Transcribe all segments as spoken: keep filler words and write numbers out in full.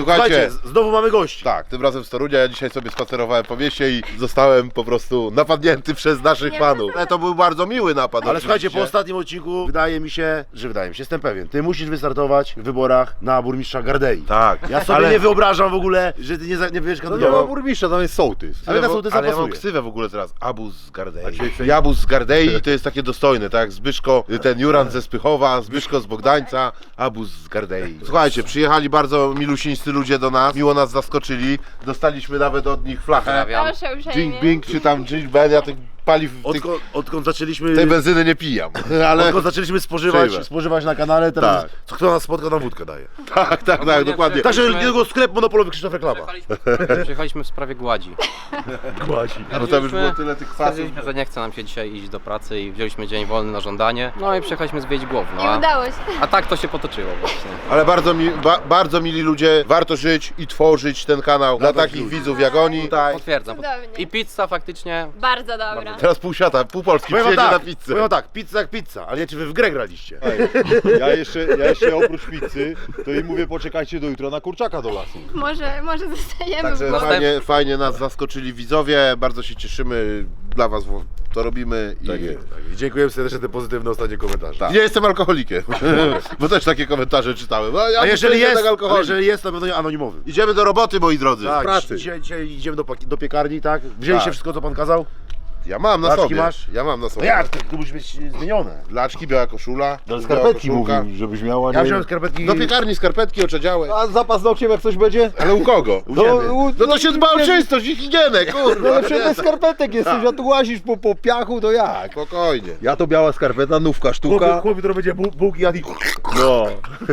Słuchajcie, znowu mamy gości. Tak, tym razem z Torunia. Ja dzisiaj sobie spacerowałem po mieście i zostałem po prostu napadnięty przez naszych panów. Ale to był bardzo miły napad. Ale słuchajcie, oczywiście. po ostatnim odcinku wydaje mi się, że wydaje mi się, jestem pewien, ty musisz wystartować w wyborach na burmistrza Gardei. Tak. Ja sobie ale... nie wyobrażam w ogóle, że ty nie, za- nie będziesz To nie ma kandydował. burmistrza, tam jest sołtys. Ale na wo- sołtysa ale ja mam pasuje. ksywę w ogóle teraz. Abus z Gardei. A dzisiaj- Jabus z Gardei to jest takie dostojne, tak? Zbyszko, ten Juran ze Spychowa, Zbyszko z Bogdańca, Abus z Gardei. Słuchajcie, przyjechali bardzo milusińscy ludzie do nas, miło nas zaskoczyli. Dostaliśmy nawet od nich flachę. Proszę Jing uprzejmie. Bing czy tam Jing Ben, ja tych paliw, tych, Odkąd, odkąd zaczęliśmy... tej benzyny nie pijam, ale Odkąd zaczęliśmy spożywać, Przyjmę. spożywać na kanale, teraz Tak. co kto nas spotka, nam wódkę daje. tak, tak, tak, dokładnie. Także niedługo sklep monopolowy Krzysztof Reklama. Przyjechaliśmy, przyjechaliśmy w sprawie gładzi. Głazi. No to już było tyle tych kwasów. Stwierdziliśmy, że nie chce nam się dzisiaj iść do pracy i wzięliśmy dzień wolny na żądanie. No i przyjechaliśmy zwiedzić Głowno. Nie A, udało się. a tak to się potoczyło właśnie. Ale bardzo, mi, ba, bardzo mili ludzie, warto żyć i tworzyć ten kanał dla takich widzów jak oni. Tutaj. Potwierdzam. Cudownie. I pizza faktycznie. Bardzo dobra. Teraz pół świata, pół Polski Powiem wam przyjedzie tak, na pizzę. powiem wam tak, pizza jak pizza, ale nie czy wy w grę graliście. Ja jeszcze, ja jeszcze oprócz pizzy, to im mówię, poczekajcie do jutra na kurczaka do lasu. Może, może zostajemy Także w głowie. fajnie, fajnie nas zaskoczyli widzowie, bardzo się cieszymy, dla was to robimy i Tak jest, tak jest. Dziękujemy serdecznie za te pozytywne ostatnie komentarze. Tak. Nie jestem alkoholikiem, bo też takie komentarze czytałem. No, ja A jeżeli jestem jest, alkoholik. a jeżeli jest, to pewno anonimowy. Idziemy do roboty, moi drodzy. Tak, pracy. Dzisiaj, dzisiaj idziemy do, paki- do piekarni, tak? Wzięliście Tak. wszystko, co pan kazał? Ja mam na Laczki sobie. masz? Ja mam na No sobie. jak? Ty, ty musisz mieć zmienione. Laczki, biała koszula. biała Skarpetki koszulka. mówił, żebyś miała, Ja nie... wziąłem skarpetki... Do piekarni skarpetki oczedziałe. A za paznokciem jak coś będzie? Ale u kogo? No, u, No to się dba o czystość i higienę, kurwa. No ale przecież bez skarpetek jesteś, a tu łazisz po, po piachu, to jak? Spokojnie. Ja to biała skarpeta, nówka, Chłopie, sztuka. chłopie, to będzie bu- bułki jadł i... No.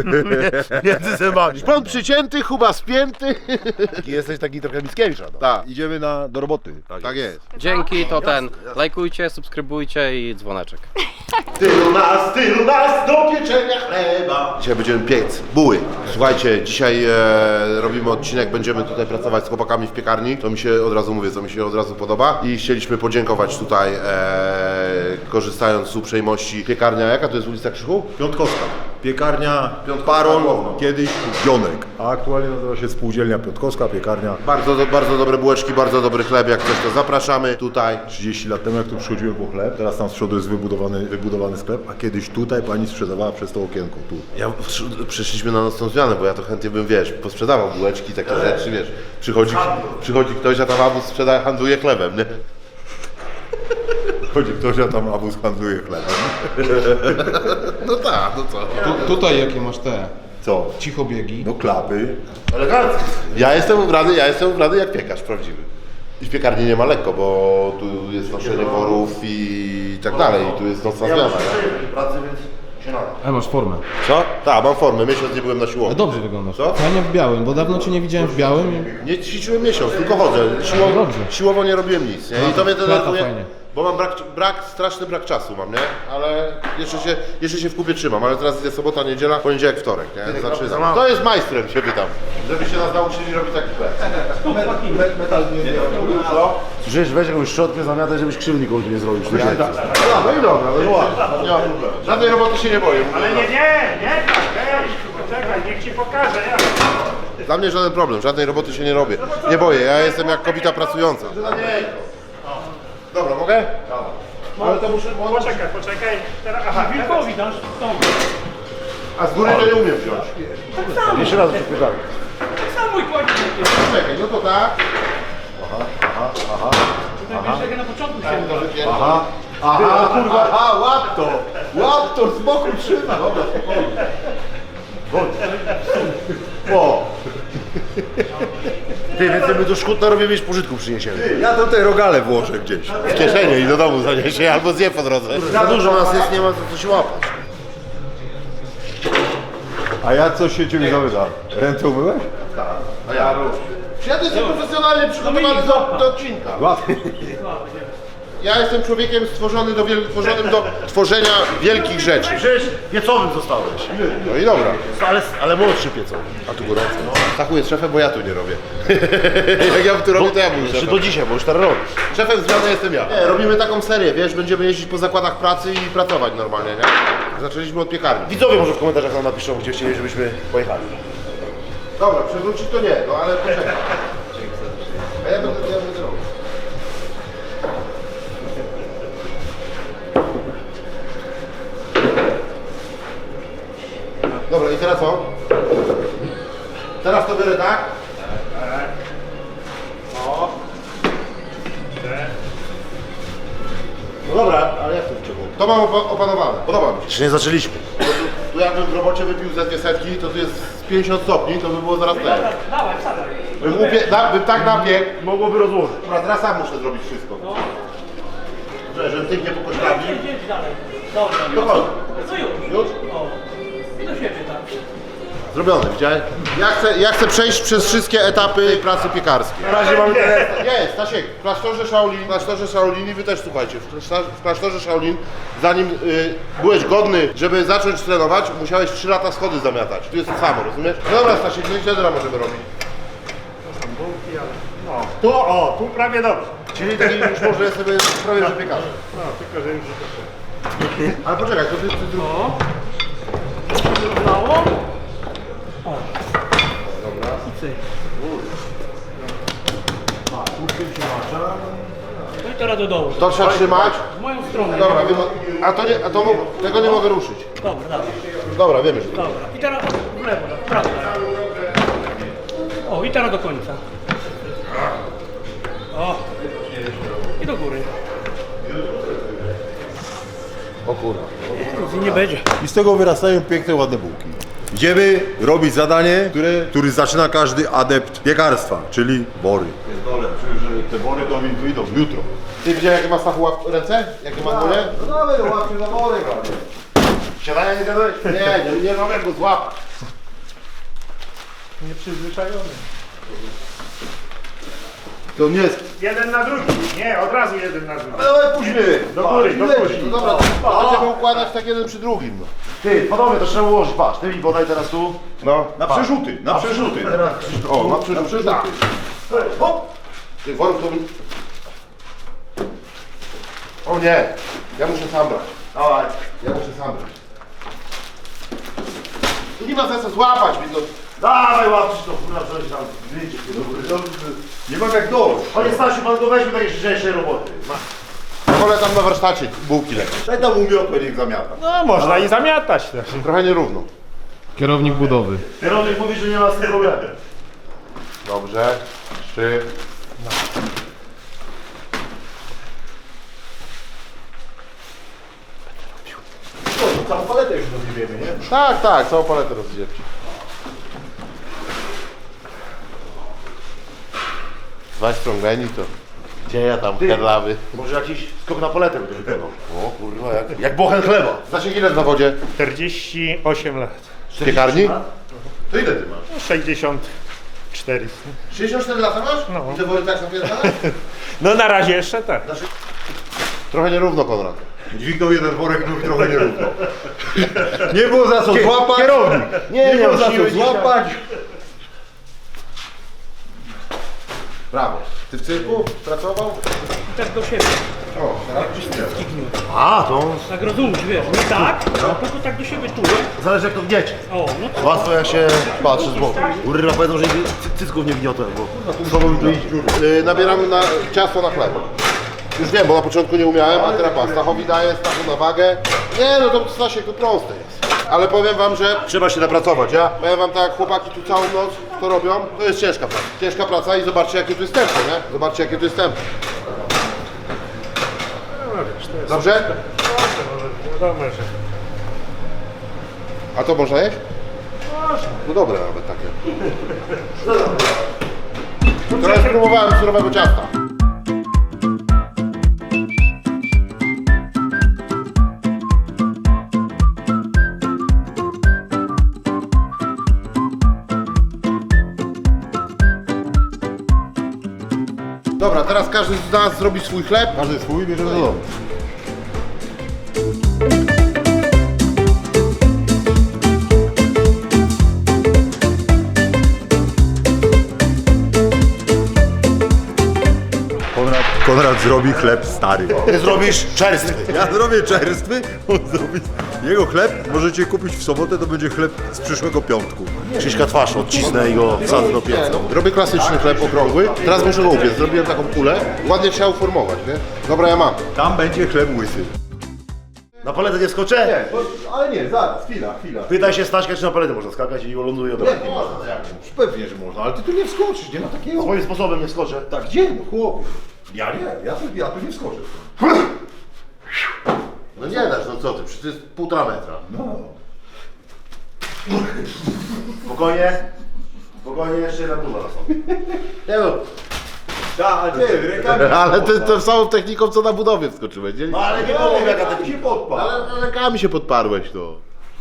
między zębami. Pan przycięty, chuba spięty. Taki jesteś taki trochę Mickiewicza, no. Tak, Idziemy na, do roboty. tak jest. Dzięki, to ten. Lajkujcie, subskrybujcie i dzwoneczek. Tylu nas, tylu nas do pieczenia chleba. Dzisiaj będziemy piec buły. Słuchajcie, dzisiaj e, robimy odcinek, będziemy tutaj pracować z chłopakami w piekarni. To mi się od razu mówię, co mi się od razu podoba. I chcieliśmy podziękować tutaj, e, korzystając z uprzejmości. Piekarnia, jaka to jest ulica Krzychu? Piątkowska. Piekarnia Baron, kiedyś Pionek. A aktualnie nazywa się Spółdzielnia Piątkowska, piekarnia. Bardzo, do, bardzo dobre bułeczki, bardzo dobry chleb, jak coś to zapraszamy tutaj. trzydzieści lat temu jak tu przychodziłem po chleb, teraz tam z przodu jest wybudowany, wybudowany sklep, a kiedyś tutaj pani sprzedawała przez to okienko, tu. Ja przyszliśmy na nocną zmianę, bo ja to chętnie bym, wiesz, posprzedawał bułeczki, takie rzeczy, wiesz. Przychodzi, przychodzi ktoś, a tam abus sprzeda, handluje chlebem, nie? Chodzi ktoś, a tam abus handluje chlebem. No tak, no co? Tu, tutaj jakie masz te Co? cichobiegi? No klapy. Elegancko. Ja jestem ubrany, ja jestem ubrany jak piekarz prawdziwy. I w piekarni nie ma lekko, bo tu jest noszenie worów i tak dalej, i tu jest nocna Ja zmiana. muszę nie? przejść do pracy, więc się nada. Ale masz formę. Co? Tak, mam formę, miesiąc nie byłem na Ale siłowni. dobrze wyglądasz. Co? Fajnie w białym, bo dawno cię nie widziałem w białym. Nie ćwiczyłem miesiąc, tylko chodzę. Siłowo, Dobrze. siłowo nie robiłem nic, nie? I to mnie Lata denerwuje, fajnie. bo mam brak, brak, straszny brak czasu mam, nie? Ale jeszcze się, jeszcze się w kupie trzymam, ale teraz jest sobota, niedziela, poniedziałek, wtorek, nie? Zaczynam. To jest majstrem, się pytam. Żebyście nas nauczyli robić taki chleb. Co? Słyszysz, weź jakąś szczotkę, zamiatę, żebyś krzywdy nikomu tu nie zrobił. No, no i dobra, no i ładnie, nie ma problemu. Żadnej roboty się nie boję. Ale nie, nie, nie tak, hej, poczekaj, niech ci pokażę, jak. Dla mnie żaden problem, żadnej roboty się nie robię. Nie boję, ja jestem jak kobieta pracująca. Dobra, mogę? Ale to muszę... Poczekaj, poczekaj, teraz, aha, wilkowi dasz, A z góry to nie umiem wziąć. Jeszcze raz przepytamy. tak samo i kładzie. Czekaj, no to tak. Tutaj wiesz, jak ja na początku się Aha, aha, kurwa, aha, łap to! Łap to, z boku trzyma. Dobra, spokojnie. O! Ty, więcej my do Szkutna robimy niż pożytku przyniesiemy. Ja to te rogale włożę gdzieś. W kieszeni i do domu zaniesie, albo zje po drodze. Za dużo nas jest, nie ma za co się łapać. A ja coś się ciebie zapytam. Ręce umyłeś? A ja Ja to jestem profesjonalnie przygotowany do, do odcinka. Łatwiej. Ja jestem człowiekiem stworzony do wiel... tworzonym do tworzenia wielkich rzeczy. Przecież piecowym zostałeś. No i dobra. Ale, ale młodszy piecowy. A tu gorąco. Stachu jest szefem, bo ja tu nie robię. Jak ja tu robię, to ja bym Czy szefem. do dzisiaj, bo już teraz robisz. Szefem zmiany jestem ja. Nie, robimy taką serię, wiesz, będziemy jeździć po zakładach pracy i pracować normalnie, nie? Zaczęliśmy od piekarni. Widzowie może w komentarzach nam napiszą, gdzie chcieli, żebyśmy pojechali. Dobra, przewrócić to nie, no ale poczekaj. A ja będę, ja będę robił. Dobra, i teraz co? Teraz to biorę tak? O. No dobra, ale jak to wciągnął? To mam opa- opanowane, podoba mi się. Jeszcze nie zaczęliśmy. Bo tu, tu jakbym w robocie wypił ze dwie setki, to tu jest z pięćdziesiąt stopni, to by było zaraz ten. Dawaj, wsadzaj. Bym, upie- na, bym tak napiekł. Mogłoby rozłożyć. Dobra, teraz sam muszę zrobić wszystko. Że, że tygnie po kosztami. Jedź dalej. Dobra. To chodź. Co już? Już? O. I do siebie tak. Zrobione, widziałeś? Ja chcę, ja chcę przejść przez wszystkie etapy tej pracy piekarskiej. Na razie mamy tyle. Jest, Stasiek, w klasztorze Shaolin, w klasztorze Shaolin i wy też słuchajcie, w klasztorze, w klasztorze Shaolin, zanim y, byłeś godny, żeby zacząć trenować, musiałeś trzy lata schody zamiatać. Tu jest to samo, rozumiesz? No dobra, Stasiek, no i co teraz możemy robić? No. Tu, o, tu prawie dobrze. Czyli taki już może sobie prawie że piekarzem. No, tylko że już nie Ale poczekaj, to ty, ty zrób. O. Udało? O. Dobra. I cyk. No i teraz do dołu. To trzeba trzymać. W moją stronę. Dobra, wiem, a to nie, a to mo- tego nie mogę ruszyć. Dobra, dawaj. Dobra, wiemy, że to. Dobra. I teraz w lewo, w prawo. O, i teraz do końca. O. I do góry. O kurwa. Nic nie będzie. I z tego wyrastają piękne, ładne bułki. Idziemy robić zadanie, które, który zaczyna każdy adept piekarstwa, czyli bory. Pierdolę, czuję, że te bory do mnie wyjdą jutro. Ty widziałeś jakie ma Stachu łap ręce? Jakie ma dłonie? No dawaj, łapie za worek. Siadania nie gadałeś? Nie, nie, nie mogę go złapać. Nieprzyzwyczajony. To nie jest... Jeden na drugi. Nie, od razu jeden na drugi. Dawaj później. Do góry, do góry. No dobra, to będziemy układać tak jeden przy drugim. No. Ty, panowie, to trzeba ułożyć. Patrz, ty mi podaj teraz tu. No. Na przerzuty, na przerzuty. O, na przerzuty. Na przerzuty. Hop. Ty, worek to... mi- O nie, ja muszę sam brać. Dawaj. Ja muszę sam brać. Tu nie ma sensu złapać mi to. Dawaj, łapcie to, kurwa, coś tam. Wyjdzie, kurwa. Nie mam jak dojść. Panie Stasiu, pan go weźmie takie lżejszej roboty. Ja wolę tam na warsztacie bułki lepiej. Daj tam umiotłe, niech zamiata. No, można i zamiatać też. Trochę nierówno. Kierownik budowy. Kierownik mówi, że nie ma z tym problemu. Dobrze. Trzy. No, całą paletę już rozjebiemy, nie? Tak, tak, całą paletę rozdzielcie. Dwa strągani to... Gdzie ja tam herlawy? Może jakiś skok na paletę będzie wykonał. O kurwa, jak, jak bochen chleba. Stasiek, ile w zawodzie? czterdzieści osiem lat. W piekarni? To ile ty masz? No, sześćdziesiąt cztery. sześćdziesiąt cztery lata masz? No. I te wory tak zapierdalasz? No na razie jeszcze tak. Trochę nierówno, Konrad. Dźwignął jeden worek, drugi trochę nierówno. Nie było za co złapać. Kierownik. Nie, nie było za co siły dzisiaj. złapać. Brawo. Ty w cyrku pracował? I tak do siebie. O, teraz A, to Tak rozumiesz, wiesz, nie tak, tylko tak do siebie czuję. zależy jak to gniecie. O, no to Łatwo jak się patrzy z boku. Urra powiedzą, że cy- cycków nie wgniotłem, bo słowo mi to idzie. Yy, nabieramy na ciasto na chleb. Już wiem, bo na początku nie umiałem, a teraz pas. Stachowi daję, Stachu na wagę. Nie, no to Stasiek, to proste jest. Ale powiem wam, że Trzeba się napracować, ja? powiem wam tak, jak chłopaki tu całą noc to robią, to jest ciężka praca. Ciężka praca i zobaczcie, jakie tu jest tempo, nie? Zobaczcie, jakie tu jest tempo. Dobrze? wiadomo, że... A to można jeść? No dobre nawet takie. Teraz spróbowałem surowego ciasta. Dobra, teraz każdy z nas zrobi swój chleb. Każdy swój bierze do domu. Konrad Konrad zrobi chleb stary. Ty zrobisz czerstwy. Ja zrobię czerstwy, on zrobi... Jego chleb możecie kupić w sobotę, to będzie chleb z przyszłego piątku. Krzyśka twarz odcisnę i go wsadzę do pieca. Robię klasyczny chleb okrągły, teraz muszę go upiec. Zrobiłem taką kulę, ładnie trzeba uformować, nie? Dobra, ja mam. Tam będzie chleb łysy. Na paletę nie skoczę? Ale nie, zaraz, chwila, chwila. Pytaj się Staśka, czy na paletę można skakać i ląduje od razu. Pewnie, że można, ale ty tu nie wskoczysz, nie ma takiego... Swoim sposobem nie skoczę. Tak, gdzie? No chłopie. Ja nie, ja tu, ja tu nie wskoczę. No nie dasz, no co ty, przecież to jest półtora metra. No. Spokojnie. Spokojnie, jeszcze jedna próba na sobie. Nie no, Tak, nie, rękami... ale ty tą samą techniką, co na budowie wskoczyłeś, nie? No ale nie powiem jaka to się podpadł. Ale rękami się podparłeś, to.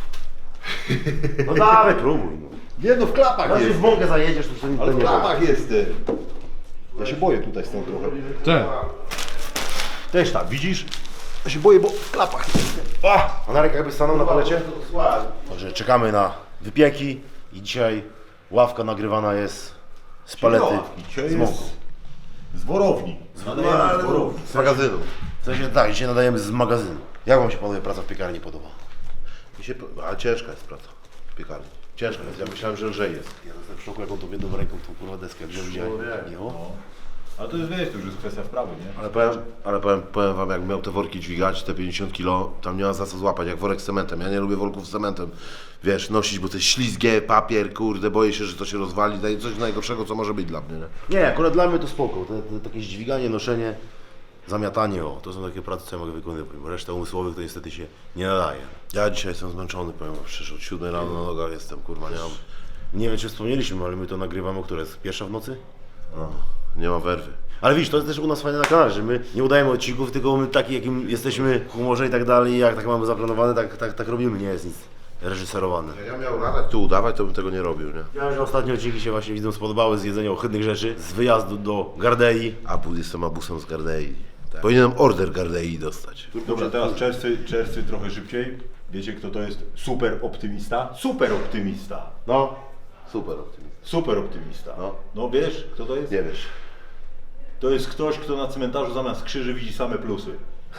No dawaj, próbuj. No. Nie no, w klapach Znaczy jest. w mąkę zajedziesz, to wtedy Ale to w nie ma. klapach jest. ty. Ja się boję tutaj stąd trochę. Cze. Też tak, widzisz? Ja się boję, bo w klapach jest. A, a Narek jakby stanął na palecie? Także czekamy na wypieki i dzisiaj ławka nagrywana jest z palety. Dzisiaj z mąką. jest z worowni. Nadajemy z worowni. Z magazynu. W sensie tak, dzisiaj nadajemy z magazynu. Jak wam się panowie praca w piekarni podoba? Mi się, a ciężka jest praca w piekarni. Ciężka jest, ja myślałem, że lżej jest. Ja jestem w szoku, jaką tą jedną ręką tą kurwa deskę wziął dzisiaj. Jo. Ale to jest, wiesz, to już jest kwestia wprawy, nie? Ale powiem, ale powiem, powiem wam, jak miał te worki dźwigać, te pięćdziesiąt kilo, tam nie ma za co złapać, jak worek z cementem. Ja nie lubię worków z cementem, wiesz, nosić, bo to jest ślizgie, papier, kurde, boję się, że to się rozwali, daje coś najgorszego, co może być dla mnie, nie? Nie, akurat dla mnie to spoko. Te, te, takie dźwiganie, noszenie, zamiatanie, o, to są takie prace, co ja mogę wykonywać. Bo reszta umysłowych to niestety się nie nadaje. Ja dzisiaj jestem zmęczony, powiem wam szczerze, od siódmej rano na nogach jestem, kurwa, nie mam, Nie wiem, czy wspomnieliśmy, ale my to nagrywamy, o której jest pierwsza w nocy? no, nie ma werwy. Ale widzisz, to jest też u nas fajne na kanale, że my nie udajemy odcinków, tylko my taki, jakim jesteśmy w humorze i tak dalej, jak tak mamy zaplanowane, tak, tak, tak robimy, nie jest nic reżyserowane. Jak ja miał latać tu udawać, to bym tego nie robił, nie? Wiem, że ostatnie odcinki się właśnie widzom spodobały z jedzenia ohydnych rzeczy, z wyjazdu do Gardei. A bus jestem abusem z Gardei. Tak. Powinienem order Gardei dostać. Dobrze, teraz czerwcy, czerwcy trochę szybciej. Wiecie, kto to jest super optymista? Super optymista. No, super optymista. Super optymista. No. No wiesz, kto to jest? Nie wiesz. To jest ktoś, kto na cmentarzu zamiast krzyży widzi same plusy.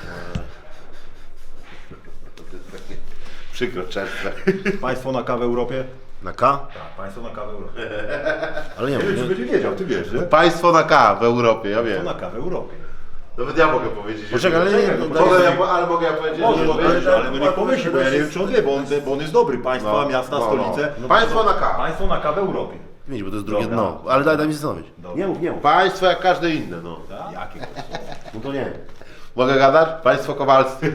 Przykro, czerwce. Państwo na kawę w Europie? Na K? Tak, państwo na kawę w Europie. Ale nie Nie wiem, czy wiem, będzie wiedział, ty wiesz, nie? Państwo na K w Europie, ja To wiem. na kawę w Europie. Nawet ja mogę powiedzieć. Poczekaj, ale nie, nie, Poczekaj, Mogę ja, po- ale mogę ja powiedzieć, Może, że no, powiedzieć, ale, ale no niech pomyśli, bo ja nie wiem, czy on wie, bo on, bo on jest dobry. Państwa, No, miasta, no, stolice. no. Państwo na K. Państwo na kawę w Europie. Widzisz, bo to jest drugie Dobra. dno. Ale daj, daj mi zastanowić. Dobra. Nie mów, nie mów. Państwo jak każde inne, no. Tak? Jakie to są? No to nie. Mogę gadać? Państwo Kowalscy.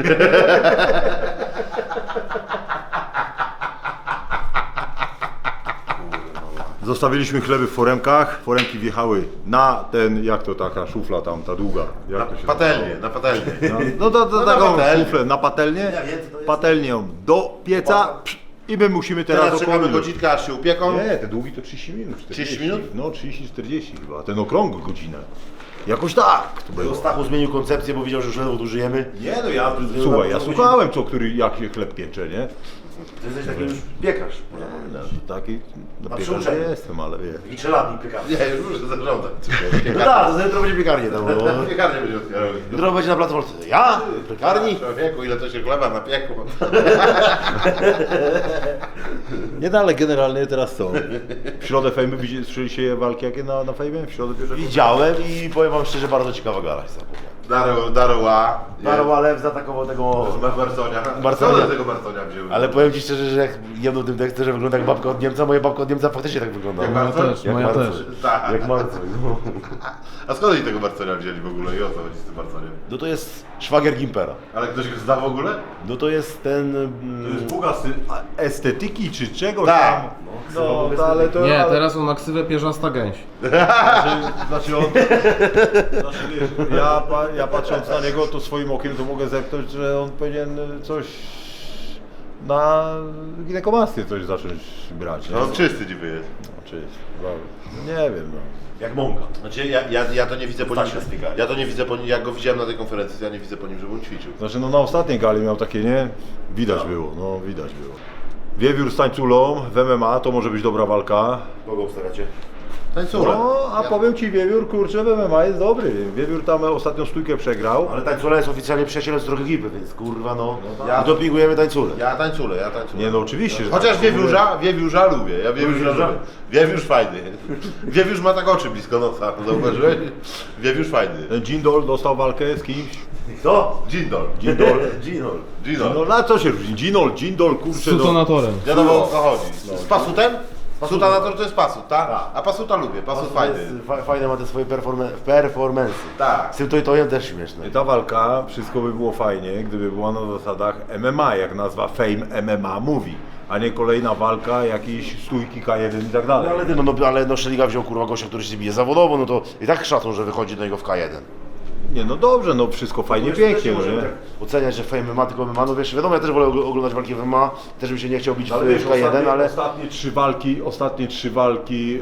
Zostawiliśmy chleby w foremkach. Foremki wjechały na ten, jak to taka szufla tam, ta długa. Jak to się Patelnie, na patelnię. nazywa? No to, to No na taką patelnię. szuflę na patelnię, Ja wiem, co to jest. patelnią do pieca psz, i my musimy teraz, Teraz czekamy okrągły- godzinkę, aż się upieką. Nie, te długi to trzydzieści minut. czterdzieści. trzydzieści minut? No trzydzieści czterdzieści chyba, ten okrągły godzinę. Jakoś tak to było. Stachu zmienił koncepcję, bo widział, że już ledwo tu żyjemy. Nie no ja, słuchaj, ja słuchałem co, który, jak się chleb piecze, nie? Ty jesteś taki już piekarz, można powiedzieć. Taki, no A piekarz przyuczeń. nie jestem, ale wie. Taki trzelatnik piekarz. Nie, już muszę zaglądać. No tak, to jutro będzie piekarnie tam. bo- Piekarnie będzie otwierał. Jutro będzie na placu Wolcy. Ja? Piekarni? Człowieku, ile to się chleba napiekło. Nie no, ale generalnie teraz co? W środę fejmy widzieli- słyszeliście walki jakie na, na fejmie? W środę pierwszego? Widziałem i powiem wam szczerze, bardzo ciekawa gala się zapomniała. Daro, Daroła. Daro Alew zaatakował tego... Marconia. Marconia. Co do tego Marconia wziął? Ale powiem ci szczerze, że jak jedną tym tekstem, że wygląda jak babka od Niemca, moja babka od Niemca faktycznie tak wygląda. Jak Moja Marcon? też, moja Marcon. też. Tak. Jak Marcon. No. A skąd oni tego Marconia wzięli w ogóle i o co chodzi z tym Marconiem? no to jest szwagier Gimpera. Ale ktoś go zna w ogóle? No to jest ten... To Mm, jest Buga sy- a- estetyki czy czegoś Tak. tam. No, No, estetyki. to, ale to... Nie, ale, teraz on ma ksywę pierzasta gęś. Znaczy, znaczy on... Znaczy, wiesz, ja, pa, ja patrząc na niego, to swoim okiem to mogę zepnąć, że on powinien coś na ginekomastię coś zacząć brać. Nie? No on czysty niby jest. Czy, no, nie wiem, no. jak mąka. Znaczy ja, ja, ja to nie widzę po nim. Stasia z piekarni. Ja to nie widzę po nim, jak go widziałem na tej konferencji, to ja nie widzę po nim, żeby on ćwiczył. Znaczy no na ostatniej gali miał takie, nie? Widać było, no widać było. Wiewiór z tańculą w M M A to może być dobra walka. Kogo obstawiacie? Tańcule. No, a Ja- powiem ci, Wiewiór, kurczę, w M M A jest dobry. Wiewiór tam ostatnią stójkę przegrał. Ale Tańcula jest oficjalnie przyjacielem z drugiej ekipy, więc kurwa no, Ja- my dopingujemy Tańculę. Ja tańcule, ja tańcule. Nie no, oczywiście, że Chociaż tak. wiewiórza, wiewiórza lubię, ja wiewiórza Wiewiórza? lubię. Wiewiórz fajny. Wiewiórz ma tak oczy blisko nosa, zauważyłeś? Wiewiórz fajny. Ten Jindol dostał walkę z kimś. Kto? Dzindol. Ginol. Ginol. Dzindol. No na co się różni? Ginol, Jindol, kurczę. No, Sutonatorem. Wiadomo o co chodzi. Z pasutem? Sutanator to jest pasut, tak? A pasuta lubię, pasut fajny. Fa- Fajne ma te swoje performe- performance. Tak. Z tym to i to też śmieszne. ta walka, wszystko by było fajnie, gdyby była na zasadach M M A, jak nazwa Fame M M A mówi, a nie kolejna walka, jakieś stójki K jeden i tak No dalej. ale ty, no, no, ale no Szeliga wziął kurwa gościa, który się bije zawodowo, no to i tak szacun, że wychodzi do niego w K jeden. Nie no dobrze, no wszystko fajnie, pięknie, no nie? Oceniać, że Fame ma tylko M M A, no wiesz, wiadomo, ja też wolę ogl- oglądać walki w M M A, też bym się nie chciał bić Ale w, wiesz, w K jeden, ostatnie, ale... ostatnie trzy walki, ostatnie trzy walki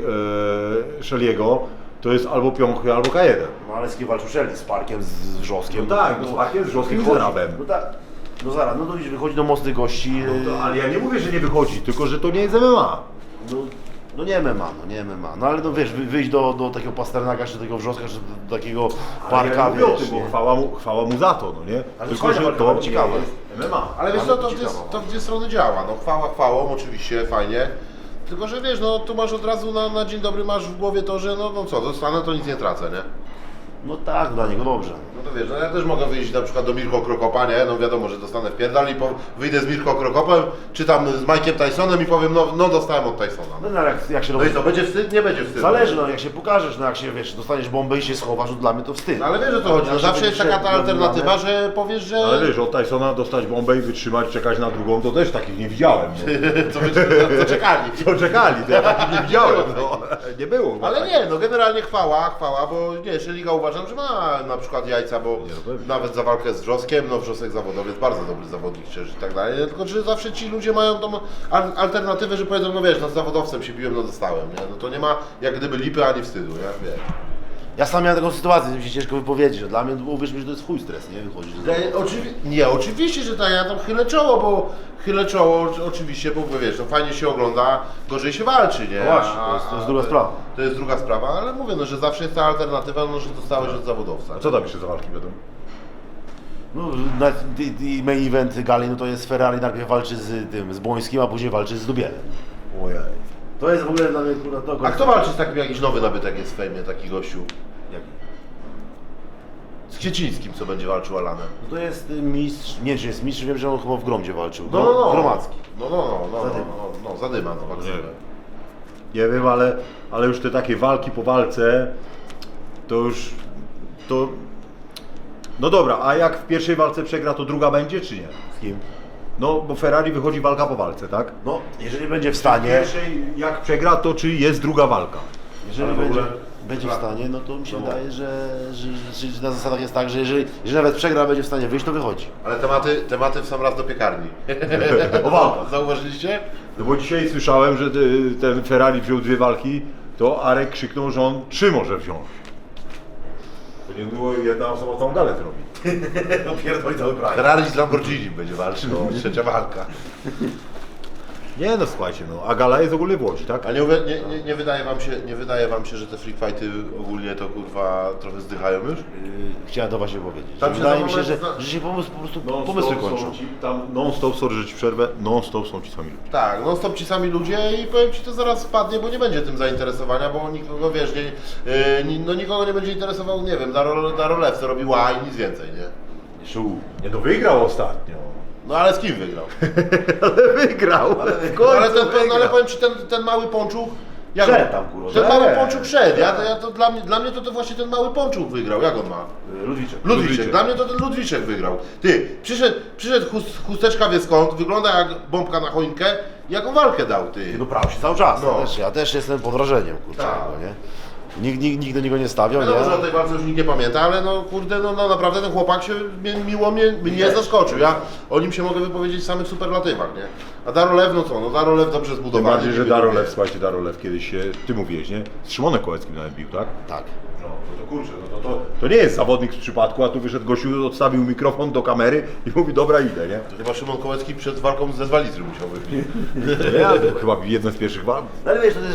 e, Szeliego to jest albo piąchy, albo K jeden. No ale z kim walczył Szeli? Z Parkiem, z, z Wrzoskiem? No tak, no z Parkiem, z Wrzoskiem, wychodzi. z Arabem. No tak, no zaraz, no to widzisz, wychodzi do mocnych gości, No to, ale ja nie mówię, że nie wychodzi, tylko że to nie jest M M A. no, no nie M M A, no nie M M A, no ale no wiesz, wy- wyjść do, do takiego Pasternaka, czy do takiego Wrzoska, czy do takiego Parka, ja nie mówię o wiesz, tym, nie? bo chwała mu, chwała mu za to, no nie? Ale Tylko, fajna że walka, to ale ciekawe. nie jest M M A. Ale wiesz co, to w, ciekawa. dwie, to w dwie strony działa. No chwała chwałą, oczywiście, fajnie. Tylko, że wiesz, no tu masz od razu na, na dzień dobry masz w głowie to, że no, no co, dostanę to nic nie tracę, nie? No tak, dla niego dobrze. No to wiesz, no ja też mogę wyjść na przykład do Mirko Krokopa, nie? No wiadomo, że dostanę w pierdal i po, wyjdę z Mirko Krokopem, czy tam z Mike'iem Tysonem i powiem, no, no dostałem od Tysona. No, no ale jak, jak się No robi... i co, będzie wstyd? Nie będzie wstydu. Zależy, no jak się pokażesz, no jak się, wiesz, dostaniesz bombę i się schowasz, no dla mnie to wstyd. No ale wiesz o co chodzi, no Jak zawsze się jest taka ta będzie alternatywa, że powiesz, że... Ale wiesz, od Tysona dostać bombę i wytrzymać, czekać na drugą, to też takich nie widziałem. No. co, wy, co czekali. Co czekali, to ja takich nie widziałem. No. Nie było. Ale tak. nie, no generalnie chwała, chwała, bo nie, Szeliga uważam, że ma na przykład jajca, bo no pewnie. nawet za walkę z Wrzoskiem, no Wrzosek zawodowiec, bardzo dobry zawodnik przecież i tak dalej, tylko że zawsze ci ludzie mają tą al- alternatywę, że powiedzą, no wiesz, no z zawodowcem się biłem, no dostałem, nie? No to nie ma jak gdyby lipy ani wstydu, nie? Wiesz. Ja sam miałem taką sytuację, mi się ciężko wypowiedzieć, że dla mnie, uwierz mi, że to jest chuj stres, nie? Wychodzić do Ja, oczywi- nie, oczywiście, że tak, ja tam chylę czoło, bo chylę czoło oczy- oczywiście, bo wiesz, no fajnie się ogląda, gorzej się walczy, nie? No właśnie, to jest- to jest druga sprawa. To jest druga sprawa, ale mówię, no, że zawsze jest ta alternatywa, no, że dostałeś od zawodowca. A co tam jeszcze za walki będą? No, na, i, i main event gali, no to jest Ferrari, najpierw walczy z tym, z Błońskim, a później walczy z Dubielem. Ojej. To jest w ogóle dla mnie, kurwa, to... A kto walczy z takim jakiś nowy nabytek jest w fejmie, taki gościu? Jaki? Z Kwiecińskim, co będzie walczył Alanem. No to jest y, mistrz, nie czy jest mistrz, wiem, że on chyba w Gromdzie walczył. No, no, no. Gromadzki. No, no, no, no, Zadyma. no, no, no zadyma, no, walczy. Nie wiem, ale, ale już te takie walki po walce, to już, to... No dobra, a jak w pierwszej walce przegra, to druga będzie, czy nie? Z kim? No, bo Ferrari wychodzi walka po walce, tak? No, jeżeli będzie w W stanie, pierwszej, jak przegra, to czy jest druga walka? jeżeli Ale w będzie, ogóle- będzie w stanie, no to mi się wydaje, że, że, że, że na zasadach jest tak, że jeżeli, jeżeli nawet przegra, będzie w stanie wyjść, to wychodzi. Ale tematy, tematy w sam raz do piekarni. O walkach. Zauważyliście? No bo dzisiaj słyszałem, że y, ten Ferrari wziął dwie walki, to Arek krzyknął, że on trzy może wziąć. To nie było jedna osoba całą galę zrobi. No pierdoli cały kraj. Ferrari z Lamborghini będzie walczył, trzecia walka. Nie no, słuchajcie, no, a gala jest ogólnie w Łodzi, tak? A nie, uwie- nie, nie, nie, wydaje wam się, nie wydaje wam się, że te freak fighty ogólnie to kurwa trochę zdychają już? Yy, chciałem to właśnie powiedzieć. Tam Że się wydaje za mi się, moment że, zna- że się pomysł, po prostu Non pomysły stop kończą. są ci, tam non-stop, sorry, że ci przerwę, non-stop są ci sami ludzie. Tak, no stop ci sami ludzie i powiem ci to zaraz spadnie, bo nie będzie tym zainteresowania, bo nikogo wiesz, nie, yy, ni- no nikogo nie będzie interesował, nie wiem, Daro, Daro Lew, co robi ła i nic więcej, nie? Szu. Nie, no wygrał ostatnio. No ale z kim wygrał? Ale wygrał. Ale, No, ale, ten, no, ale powiem ci, ten, ten mały pączuk, jak Wszedł on- tam, kurwa. Ten Wszedł. mały pączuk wszedł, ja, to, ja, to dla, mnie, dla mnie to, to właśnie ten mały pączuk wygrał, jak on ma? Yy, Ludwiczek. Ludwiczek. Ludwiczek. Dla mnie to ten Ludwiczek wygrał. Ty, przyszedł, przyszedł chust, chusteczka wie skąd, wygląda jak bombka na choinkę, jaką walkę dał, ty. No brał się cały czas. No. Ja, też, ja też jestem pod wrażeniem, kurczę, Tak. tego, nie? Nikt, nikt, nikt do niego nie stawiał, Wiadomo, że o nie? tej walce już nikt nie pamięta, ale no kurde, no, no naprawdę ten chłopak się mnie, miło mnie, mnie zaskoczył. Ja o nim się mogę wypowiedzieć w samych superlatywach, nie? A Darolew, no co, no Darolew dobrze Tym zbudowany. bardziej, że niby Darolew, drugie. słuchajcie, Darolew kiedyś się, ty mówiłeś, nie? Z Szymonem Kołeckim nawet bił, tak? Tak. No, no to kurczę, no to, to, to nie jest zawodnik z przypadku, a tu wyszedł gościu, odstawił mikrofon do kamery i mówi, dobra, idę, nie? To chyba Szymon Kołecki przed walką ze Zwalizry musiał wybić. Ja, to chyba jeden z pierwszych walk. No ale wiesz, to też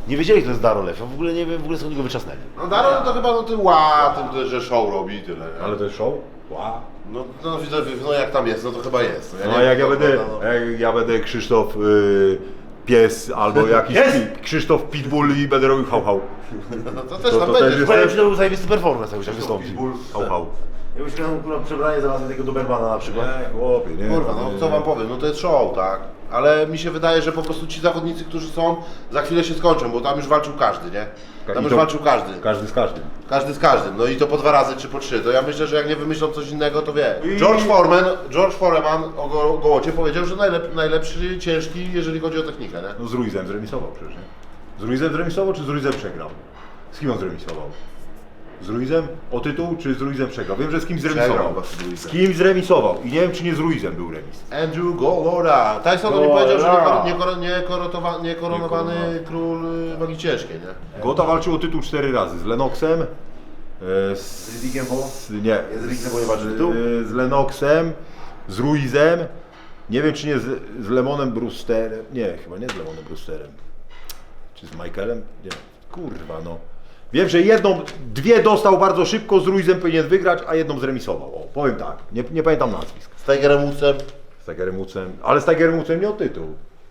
nie wiedzieli, kto jest Darolew. Ja w ogóle nie wiem, w ogóle skąd go wyczasnęli. No Daron to chyba no tym ła, tym to, że show robi i tyle. Nie? Ale to jest show? Wow. No, no widzę, no jak tam jest, no to chyba jest. No nie a wiem, jak ja kto będę, to, no. jak ja będę Krzysztof y, Pies albo jakiś Pies? pi, Krzysztof Pitbull i będę robił hał hał. No to też To- tam to też będzie. jest- Powiem ci, to był zajebisty performance, jak już wystąpił. Pitbull, hał hał. Jakbyś miał kurwa, przebranie znalazłem tego Dobermana na przykład. Nie, chłopie, nie. Kurwa, no co wam powiem, no to jest show, tak? Ale mi się wydaje, że po prostu ci zawodnicy, którzy są, za chwilę się skończą, bo tam już walczył każdy, nie? I Tam już to- walczył każdy. Każdy z każdym. Każdy z każdym, no i to po dwa razy czy po trzy. To ja myślę, że jak nie wymyślą coś innego, to wie. I- George Foreman, George Foreman o go, Gołocie powiedział, że najlep, najlepszy ciężki, jeżeli chodzi o technikę, nie? No z Ruizem zremisował przecież, nie? Z Ruizem zremisował, czy z Ruizem przegrał? Z kim on zremisował? Z Ruizem o tytuł, czy z Ruizem przegrał? Wiem, że z kim zremisował. Przegrał chyba z Ruizem. Z kim zremisował? I nie wiem, czy nie z Ruizem był remis. Andrew Golora. Tyson mi Golora. powiedział, że niekor- niekor- niekorotowa- niekoronowany Niekoronowany. król y, wagi ciężkiej, nie? Gota walczył o tytuł cztery razy. Z Lennoxem. e, Z, Z Riddikiem Hall? z- Nie. Z Riddikiem Hall nie walczył o tytuł? e, Z Lennoxem. Z Ruizem. Nie wiem, czy nie z, z Lemonem Brewsterem. Nie, chyba nie z Lemonem Brewsterem. Czy z Michaelem? Nie. Kurwa, no. Wiem, że jedną, dwie dostał bardzo szybko, z Ruizem powinien wygrać, a jedną zremisował. O, powiem tak, nie, nie pamiętam nazwisk. Z Tigerem Woodsem. Z Tigerem Woodsem, ale z Tigerem Woodsem nie o tytuł.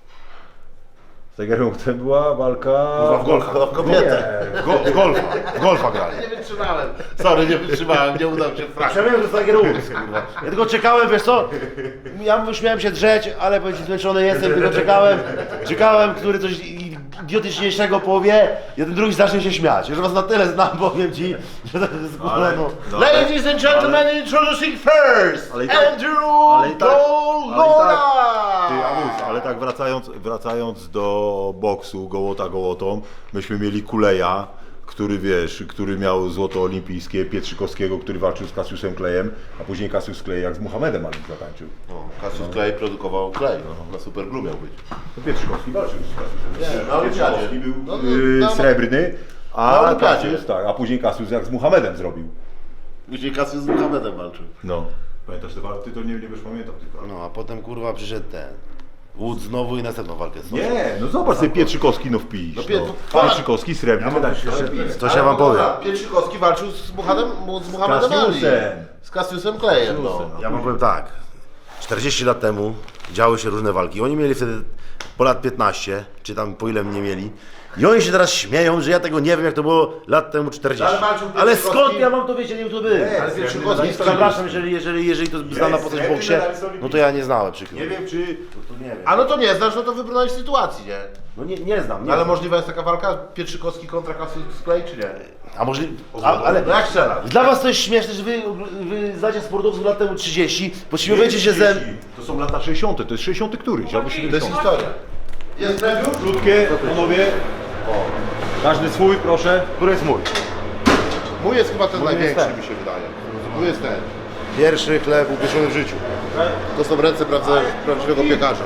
Z Tigerem Woodsem była walka... W golfa, w kobietę. W, go, w golfa, w golfa grali. Nie wytrzymałem. Sorry, nie wytrzymałem, nie udał się frag. Ja wiem, że to jest Tiger Woods, kurwa. Ja tylko czekałem, wiesz co? Ja już miałem się drzeć, ale powiem ci, zmęczony jestem, tylko czekałem, czekałem, który coś idiotyczniejszego powie, jeden drugi zacznie się śmiać. Że was na tyle znam, powiem ci, że to jest kurwa, Ale- no. no, Ladies and gentlemen, introducing first, Ale i tak- Andrew ale i tak- Golora! Ty, Amus, ale tak wracając, wracając do boksu, gołota gołotą, myśmy mieli Kuleja, który wiesz, który miał złoto olimpijskie, Pietrzykowskiego, który walczył z Cassiusem Clayem, a później Cassius Clay jak z Muhammedem Ali zatańczył. No, Cassius Clay produkował Clay, no, na Super Glue miał być. No Pietrzykowski walczył z Cassiusem. Nie, na olimpiadzie. Pietrzykowski był No, no, yy, na- srebrny, na a olimpiadzie. Cassius, tak, a później Cassius jak z Muhammedem zrobił. Później Cassius z Muhammedem walczył. No. Pamiętasz te walki? Ty to nie, nie wiesz, pamiętam tylko. No, a potem kurwa przyszedł ten Wood znowu i następną walkę. Nie, no zobacz sobie Pietrzykowski no wpisz. No, Pie- No. Pietrzykowski srebrny medal. To się wam powiem. Pietrzykowski walczył z Muhammedem, z Muhammedem Ali. Cassiusem. Z Cassiusem Clayem, no. Cassiusem. Ja wam powiem tak, czterdzieści lat temu działy się różne walki. Oni mieli wtedy po lat piętnaście, czy tam po ile mnie mieli. I oni się teraz śmieją, że ja tego nie wiem, jak to było lat temu czterdzieści. Ale walczył Ale Pietrzykowski. skąd ja mam to wiedzieć, nie wiem, kto to był? Ale Pietrzykowski jest Przepraszam, jeżeli, jeżeli, jeżeli to znana postać w boksie, no to ja nie znałem, przykro. Nie wiem czy... To nie wiem. A no to nie znasz, no to wybrnąłeś sytuacji, nie? No nie, nie znam, nie Ale znam. możliwa jest taka walka Pietrzykowski kontra Cassius Clay, czy nie? A może... A, ale... No jak strzelasz? Dla was to jest śmieszne, że wy, wy znacie sportowców lat temu trzydzieści, pośmiewujecie się ze... To są lata sześćdziesiąte, to jest sześćdziesiąty któryś, albo To jest siedemdziesiąty. historia. Jest preview? Krótkie, panowie. Każdy swój, proszę. Który jest mój? Mój jest chyba ten Mój jest największy, ten. mi się wydaje. Mój jest ten. Pierwszy chleb upieczony w życiu. To są ręce prawdziwego, prawdziwego piekarza.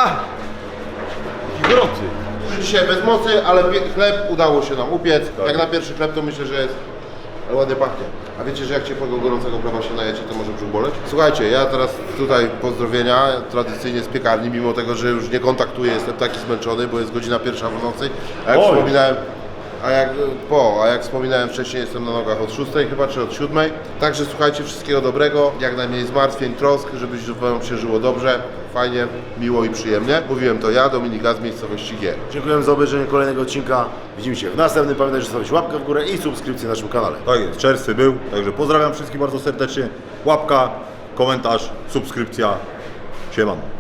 I gorący. Dzisiaj bez mocy, ale pie- chleb udało się nam upiec. Jak na pierwszy chleb to myślę, że jest ładnie pachnie. A wiecie, że jak ciepłego, gorącego chleba się najecie, to może brzuch boleć? Słuchajcie, ja teraz tutaj pozdrowienia, tradycyjnie z piekarni, mimo tego, że już nie kontaktuję, jestem taki zmęczony, bo jest godzina pierwsza w nocy. A jak Oj. wspominałem, a jak po, a jak wspominałem wcześniej, jestem na nogach od szóstej chyba, czy od siódmej. Także słuchajcie, wszystkiego dobrego, jak najmniej zmartwień, trosk, żeby wam się żyło dobrze, fajnie, miło i przyjemnie. Mówiłem to ja, Dominik Gaz z miejscowości G. Dziękuję za obejrzenie kolejnego odcinka. Widzimy się w następnym. Pamiętajcie, że zostawić łapkę w górę i subskrypcję na naszym kanale. Tak jest, czerwcy był, także pozdrawiam wszystkich bardzo serdecznie. Łapka, komentarz, subskrypcja. Siemano.